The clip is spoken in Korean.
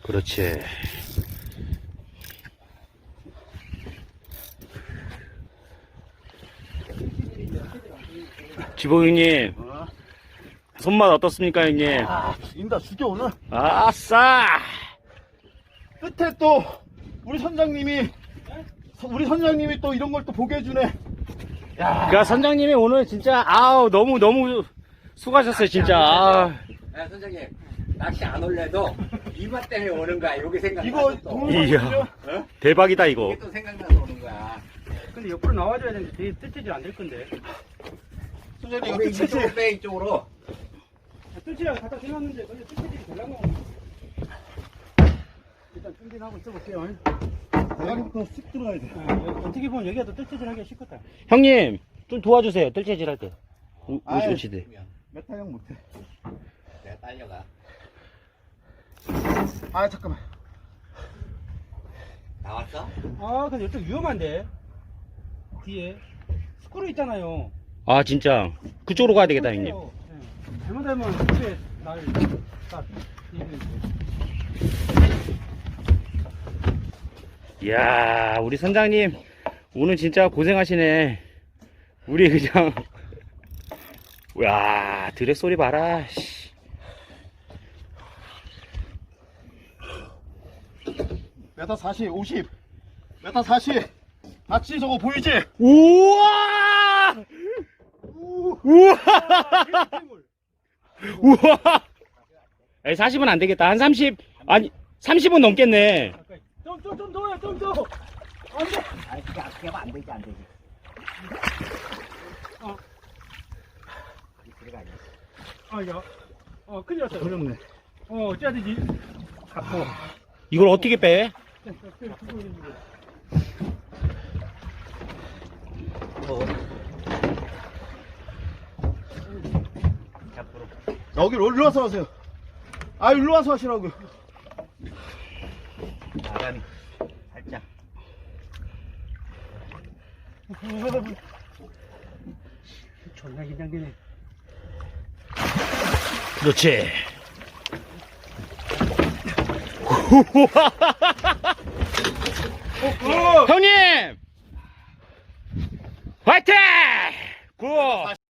그렇지. 지복 형님, 손맛 어떻습니까, 형님? 아, 죽인다, 죽여, 오늘. 아싸! 끝에 또, 우리 선장님이 또 이런 걸 또 보게 해주네. 야. 그니까 선장님이 오늘 진짜, 아우, 너무 수고하셨어요, 진짜. 아. 야, 선생님, 낚시 안 올래도 이맛 때문에 오는 거야. 여기 생각나서 이거 또. 동영상이죠? 어? 대박이다, 이거. 이게 또 생각나서 오는 거야. 근데 옆으로 나와줘야 되는데 뜰채질 안 될 건데. 선장님, 이거 우리 끝이지. 이쪽으로 빼, 이쪽으로. 뜰채랑 갖다 대놨는데 근데 뜰채질이 되려면 일단 충진하고 있어볼게요. 대가리부터 쑥 들어가야 돼. 어떻게 보면 여기가 더 뜰채질 하기가 쉽겠다. 형님 좀 도와주세요, 뜰채질 할 때. 아유. 우시대. 메타형 못해. 내가 딸려가. 아, 잠깐만. 나왔어? 아 근데 이쪽 위험한데 뒤에 스크류 있잖아요. 아, 진짜. 그쪽으로 가야 되겠다, 형님. 네. 잘못하면 스크류에 날딱 이야, 우리 선장님, 오늘 진짜 고생하시네. 우리 그냥, 야, 드랙 소리 봐라. 씨. 메타 40, 50. 메타 40. 같이 저거 보이지? 우와! 우와! 우와! 40은 안 되겠다. 한 30, 아니, 30은 넘겠네. 좀 더요 좀 더. 안돼. 아니, 그게 안 되지, 안 되지. 아야. 큰일 났어. 어렵네. 어째야 되지? 갖고. 이걸 어떻게 빼? 여기로 올라와서 하세요. 아, 일로 와서 하시라고요. 바람이 살짝. 존나 긴장되네. 그렇지. 형님! 화이팅! 굿!